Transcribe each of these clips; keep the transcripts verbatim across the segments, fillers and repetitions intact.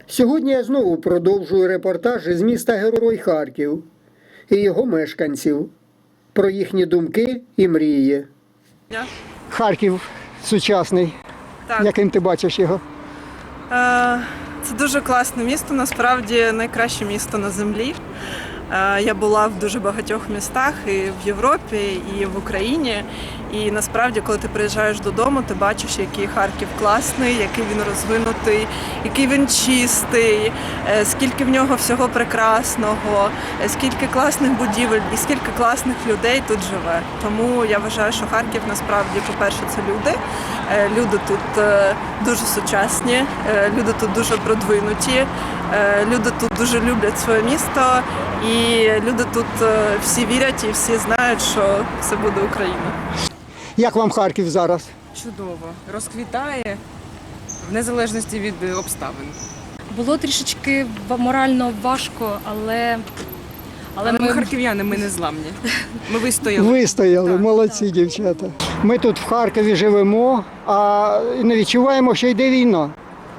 Сьогодні я знову продовжую репортаж із міста Герой Харків і його мешканців про їхні думки і мрії. Харків сучасний. Так. Яким ти бачиш його? Е, Це дуже класне місто, насправді найкраще місто на землі. Е, Я була в дуже багатьох містах і в Європі, і в Україні. І насправді, коли ти приїжджаєш додому, ти бачиш, який Харків класний, який він розвинутий, який він чистий, е, скільки в нього всього прекрасного, е, скільки класних будівель і скільки класних людей тут живе. Тому я вважаю, що Харків насправді, по-перше, це люди. Е, Люди тут е, дуже сучасні, е, люди тут дуже продвинуті, е, люди тут дуже люблять своє місто, і люди тут е, всі вірять і всі знають, що це буде Україна. Як вам Харків зараз? Чудово. Розквітає в незалежності від обставин. Було трішечки морально важко, але, але, Але ми ми харків'яни, ми не зламні. Ми вистояли. Вистояли, Так, молодці дівчата. Ми тут в Харкові живемо, а не відчуваємо, що йде війна.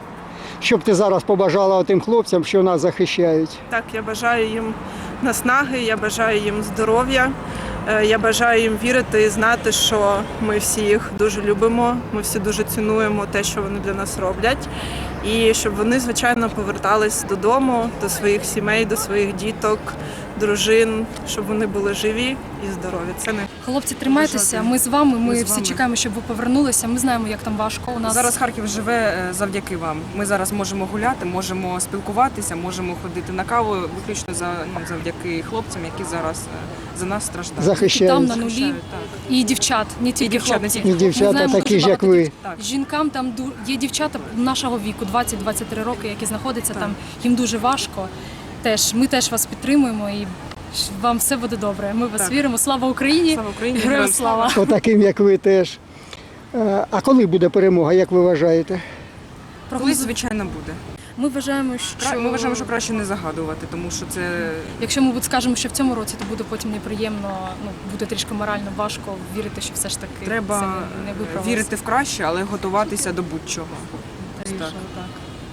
Що б ти зараз побажала тим хлопцям, що нас захищають? Так, я бажаю їм наснаги, я бажаю їм здоров'я, е, я бажаю їм вірити і знати, що ми всі їх дуже любимо, ми всі дуже цінуємо те, що вони для нас роблять. І щоб вони, звичайно, повертались додому, до своїх сімей, до своїх діток, дружин, щоб вони були живі і здорові. Це не хлопці, тримайтеся. Ми з вами. Ми, Ми з всі вами. чекаємо, щоб ви повернулися. Ми знаємо, як там важко. У нас Зараз Харків живе е, завдяки вам. Ми зараз можемо гуляти, можемо спілкуватися, можемо ходити на каву виключно за, ну, завдяки хлопцям, які зараз е, за нас страждають. Захищають. там на нулі Захищають, так. і дівчат, не тільки дівчат, не хлопці. І тільки дівчата Ми знаємо такі дуже ж, як багато ви. дів- Так. Жінкам там ду- є дівчата нашого віку, двадцять-двадцять три роки, які знаходяться Так. там. Їм дуже важко. Теж ми теж вас підтримуємо і вам все буде добре. Ми в вас Так. віримо. Слава Україні! Слава Україні! Героям Героям слава! Отаким, як ви теж. Е, А коли буде перемога, як ви вважаєте? Колись, звичайно, буде. Ми вважаємо, Кра- що Ми вважаємо, що краще не загадувати, тому що це якщо ми скажемо, що в цьому році, то буде потім неприємно, ну буде трішки морально важко вірити, що все ж таки це треба не, не виправилось. вірити в краще, але готуватися до будь-чого. Скоріше, так. так.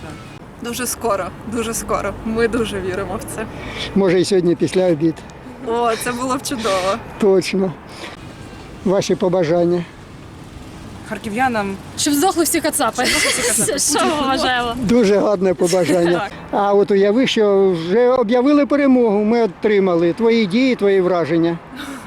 дуже скоро, дуже скоро. Ми дуже віримо в це. Може і сьогодні після обід. О, це було б чудово. Точно. Ваші побажання. Харків'янам Щоб здохли всі кацапи. Що ми вважаємо? Дуже гарне побажання. А от уяви, що вже об'явили перемогу, ми отримали. Твої дії, твої враження.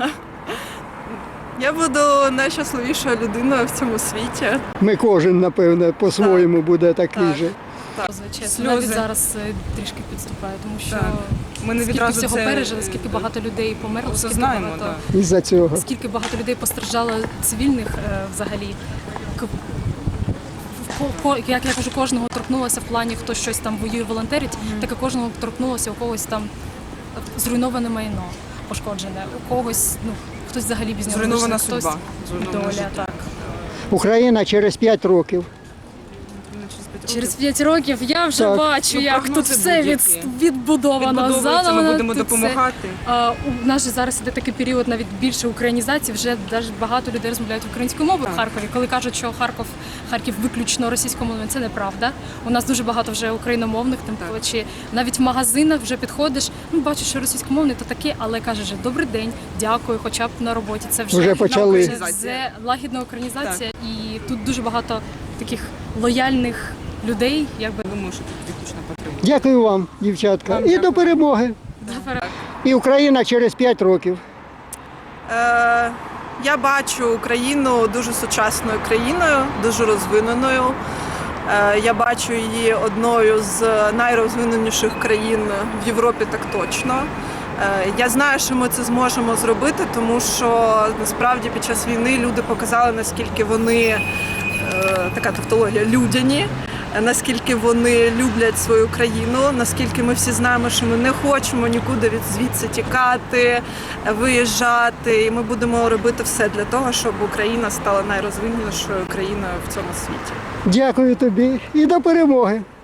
Я буду найщасливішою людиною в цьому світі. Ми кожен, напевне, по-своєму буде такий Так. же. Чесно, Сльози. навіть зараз е, трішки підступає, тому що Так. Ми не скільки відразу всього це, пережили, скільки е, багато людей померло, скільки осознаємо, багато, так. Із-за цього. скільки багато людей постраждало цивільних е, взагалі. К- ко- ко- Як я кажу, кожного торкнулося в плані, хто щось там воює, волонтерить, так і кожного торкнулося у когось там зруйноване майно пошкоджене, у когось, ну, хтось взагалі без нього Зруйнована лишився, хтось судьба, зруйнована доля, життя. так. Україна через п'ять років. Через п'ять років я вже Так. бачу, Ну, як тут прогнози все від, будь-які. відбудовано. Відбудовується, Заново ми будемо тут все. допомагати. А, у нас же зараз іде такий період навіть більше українізації. Вже навіть багато людей розмовляють українською мовою Так. в Харкові. Коли кажуть, що Харків, Харків виключно російськомовний, це неправда. У нас дуже багато вже україномовних, тим Так. паче навіть в магазинах вже підходиш. Ну бачиш, що російськомовний то таке, але кажеш, же, добрий день, дякую, хоча б на роботі. Це вже, Вже почали. Це вже лагідна українізація, і тут дуже багато таких лояльних людей, якби Думаю, що тут виключно потрібно. Дякую вам, дівчатка. Вам І до дякую. перемоги. І Україна через п'ять років. Е, Я бачу Україну дуже сучасною країною, дуже розвиненою. Е, Я бачу її одною з найрозвиненіших країн в Європі, так точно. Е, Я знаю, що ми це зможемо зробити, тому що насправді під час війни люди показали, наскільки вони, е, така тавтологія, людяні, наскільки вони люблять свою країну, наскільки ми всі знаємо, що ми не хочемо нікуди від звідси тікати, виїжджати. І ми будемо робити все для того, щоб Україна стала найрозвиненішою країною в цьому світі. Дякую тобі і до перемоги.